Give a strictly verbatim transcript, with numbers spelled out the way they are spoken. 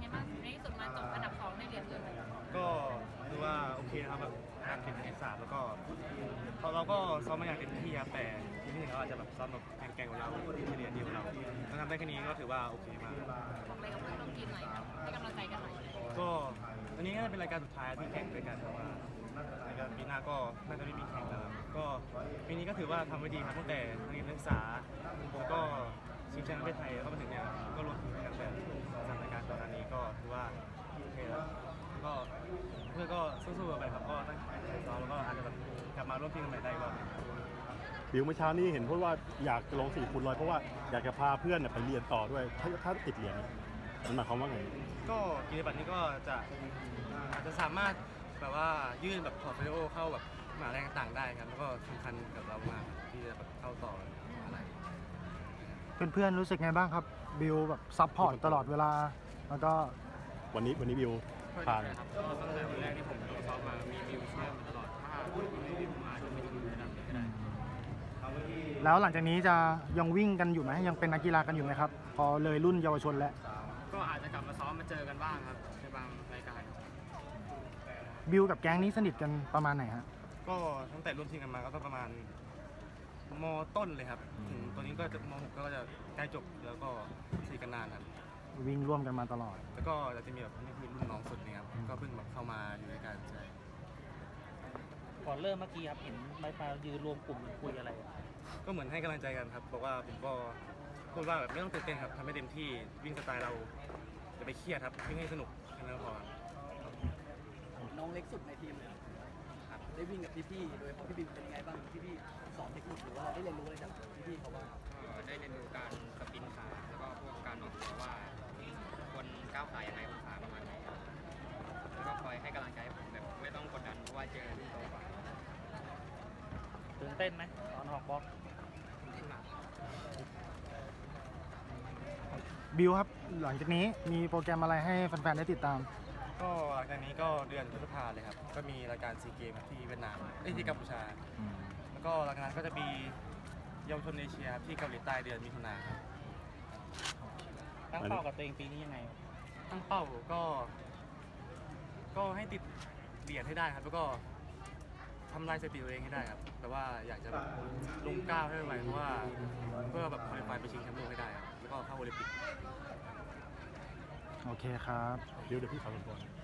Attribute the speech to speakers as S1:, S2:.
S1: ไงบ้างในที่สุดมาจบอันดับสองในเหรียญเงินเลย
S2: ก็คือว่าโอเคนะครับแบบการเก็บคะแนนสามแล้วก็เราก็ซ้อมมาอย่างเต็มที่ครับแต่ทีมที่หนึ่งเขาอาจจะแบบซ้อมแบบแข่งๆกว่าเราที่เรียนดีกว่าเราถ้าทำได้แค่นี้ก็ถือว่าโอเคมาก
S1: บอกอะไรกับเพื่อนร่วมทีมหน่อยครับให้กำลังใจกันหน่อย
S2: ก็อันนี้ก็จะเป็นรายการสุดท้ายที่แข่งด้วยกันเพราะว่าในการปีหน้าก็น่าจะไม่มีแข่งแล้วครับก็ปีนี้ก็ถือว่าทำไว้ดีครับตั้งแต่นักเรียนนักศึกษาแล้วก็ชิงแชมป์ประเทศไทยแล้วก็มาถึงเนี่ยก็รวมถึงกันแต่สามรายการก่อนหน้านี้ก็ถือว่าโอเคแล้วก็เพื่อนก็สู้ๆกันไปครับก็ตั้งใจซ้อมแล้วก็อาจจะแบบกลับมาร่วมทีมกันใหม่ได้อีกรอบหนึ่ง
S3: บิวเมื่อเช้านี้เห็นพูดว่าอยากจะลงสี่คูณร้อยเพราะว่าอยากจะพาเพื่อนเนี่ยไปเรียนต่อด้วยถ้าถ้าติดเหรียญมันหมายความว่าไง
S2: ก็กิจบัตรนี้ก็จะอาจจะสามารถแบบว่ายื่นแบบพอร์ตโฟลิโอเข้าแบบมหาลัยต่างๆได้ครับแล้วก็สำคัญกับเรามากที่จะแบบเข้าต่ออะไร
S4: เพื่อนๆรู้สึกไงบ้างครับบิวแบบซัพพอร์ตตลอดเวลาแล้วก็
S3: วันนี้วันนี้บิว
S2: ก็
S3: ผ่าน
S2: ครับก็ตั้งแต่วันแรกที่ผมลงซ้อมมามีบิวเชื่อมาตลอดถ้าไม่มีผมอาจจะไม่ถึงระดับนี้ก็ได้
S4: แล้วหลังจากนี้จะยังวิ่งกันอยู่ไหมยังเป็นนักกีฬากันอยู่ไหมครับพอเลยรุ่นเยาวชนแล้ว
S2: ก็อาจจะกลับมาซ้อมมาเจอกันบ้างครับในบางรายการ
S4: บิวกับแก๊งนี้สนิทกันประมาณไหนฮะ
S2: ก็ตั้งแต่ร่วมทีมกันมาก็ต้องประมาณมต้นเลยครับถึงตัวนี้ก็จะมหกก็จะใกล้จบแล้วก็สนิทกันนานครับ
S4: วิ่งร่วมกันมาตลอด
S2: แล้วก็จะมีแบบนี่คือรุ่นน้องสุดเนี่ยครับก็เพิ่งแบบเข้ามาอยู่ในการใช่
S5: ก่อนเริ่มเมื่อกี้ครับเห็นไม้พายยืนรวมกลุ่มคุยอะไร
S2: ก็เหมือนให้กำลังใจกันครับบอกว่าผมก็พูดว่าแบบไม่ต้องตื่นเต้นครับทำให้เต็มที่วิ่งสไตล์เราอย่าไปเครียดครับวิ่งให้สนุกแค่นั้นก็พอครับ
S6: น้องเล็กสุดในทีมเลยครับได้วิ่งกับพี่ๆโดยเฉพาะพี่บินเป็นยังไงบ้างพี่ๆสอนเทคนิคหรือว่าเราได้เรียนรู้อะไรจากพี่ๆเขาบ้าง
S7: ก็ได้เรียนรู้การสปรินต์ขาแล้วก็พวกการออกตัวว่าควรก้าวขายังไงองศาประมาณไหนแล้วก็คอยให้กำลังใจผมแบบไม่ต้องกดดันเพราะว่าเจอรุ่นโตกว่า
S5: ตื่นเต้นไหมตอนออกบล็อก
S7: เล่นมาก
S4: บิวครับหลังจากนี้มีโปรแกรมอะไรให้แฟนๆได้ติดตาม
S2: ก็หลังจากนี้ก็เดือนพฤษภาเลยครับก็มีรายการซีเกมที่เวียดนามเอ้ยที่กัมพูชา แล้วก็หลังจากนั้นก็จะมีเยาวชนเอเชียครับที่เกาหลีใต้เดือนมิถุนาครับ
S5: ตั้งเป้ากับตัวเองปีนี้ยังไง
S2: ตั้งเป้าก็ ก็ให้ติดเหรียญให้ได้ครับ แล้วก็ทำลายสถิติตัวเองให้ได้ครับ แต่ว่าอยากจะแบบลงก้าวให้ไวเพราะว่าเพื่อแบบคอลิฟายไปชิงแชมป์โลกให้ได้ครับ แล้วก็เข้าโอลิมปิก
S4: โอเคครับ
S3: บิวเดี๋ยวพี่ขอรบกวน